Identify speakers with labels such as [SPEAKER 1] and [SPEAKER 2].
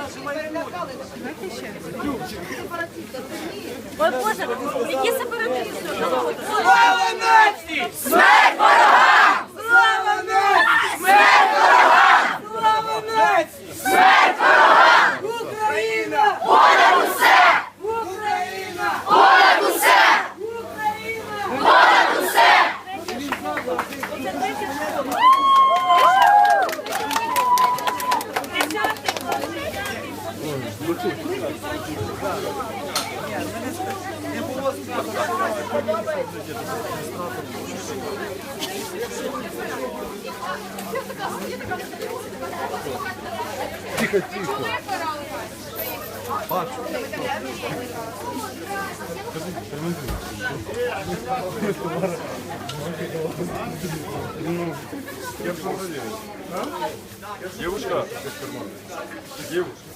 [SPEAKER 1] Ой, Боже, які сепаратисти!
[SPEAKER 2] Слава нації! Смерть ворогам! Слава нації! Смерть ворогам! Слава нації! Смерть ворогам! Україна! Понад усе! Україна! Понад усе! Україна! Понад усе!
[SPEAKER 3] Тихо, тихо. Бачу. Я бы проверил. Девушка, девушка.